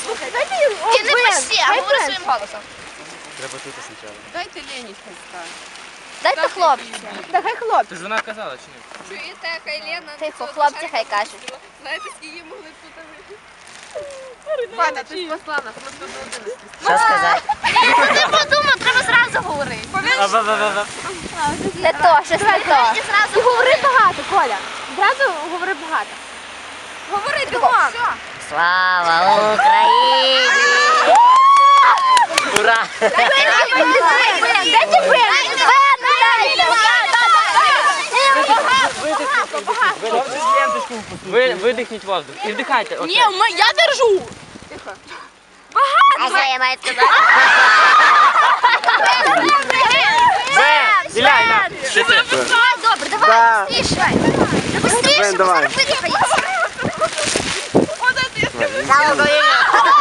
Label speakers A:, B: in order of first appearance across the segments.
A: Слухай, дайте їм
B: Ти не пиши, а говори своїм голосом.
C: Треба тут спочатку.
D: Дайте Лені хай скаже.
B: Дайте хлопці.
A: Да, хай хлопці.
C: Ти ж вона казала, чи ні?
D: Чуєте, хай Лена...
B: Тихо, хлопці хай кажуть.
D: Знаєте, скільки її могли тут вийти? Ваня, ти спасла нас, ми тут один.
B: Що сказати? Ти подумав, треба зразу говорити. Не то, щось не то.
A: І говори багато, Коля. Зразу говори багато.
B: Говори бігом. Слава Україні!
C: Ура!
A: Дайте бен!
C: Видихніть воздух і вдихайте.
A: Ні, я держу.
B: А що я маю сказати?
C: Іля, що ти?
B: Добре, давай, быстріше. Быстріше, бо зараз видихається. Слава Україні!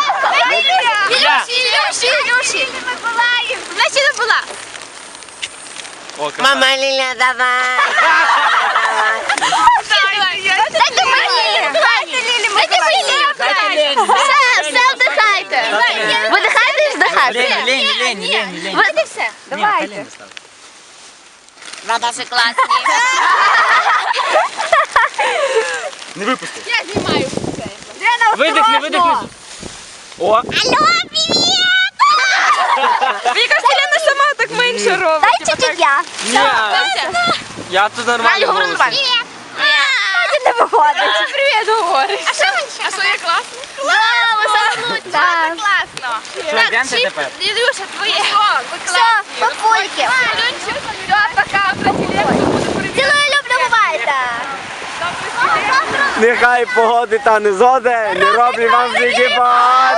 B: Ілюші!
A: Значить не була.
C: Мама
B: Ліля, давай! Дайте мені! Дайте мені! Все вдихайте! Видихайте і вдихайте!
C: Лені.
B: Видите все?
A: Давайте.
B: Вода все класні!
C: Не випусти.
D: Я знімаю це.
C: Видихни. О!
B: Алло, привіт!
D: Мені кажется, Лена сама так менше робить.
B: Дай чуть-чуть я.
C: Ні. Я тут нормально
B: говори
C: голосую.
B: нормально. Привіт! Не виходить.
A: Привіт, говориш.
B: А що ви?
D: А що я класно?
B: Класно! Заснуть!
A: Так.
B: Класно!
C: Що, йдемте тепер?
B: Ілюша, твоє! Все, папульки!
D: Все, пока,
B: Цілую, люблю, бувайте!
E: Нехай погоди та не зоде, не роблю вам зігибай.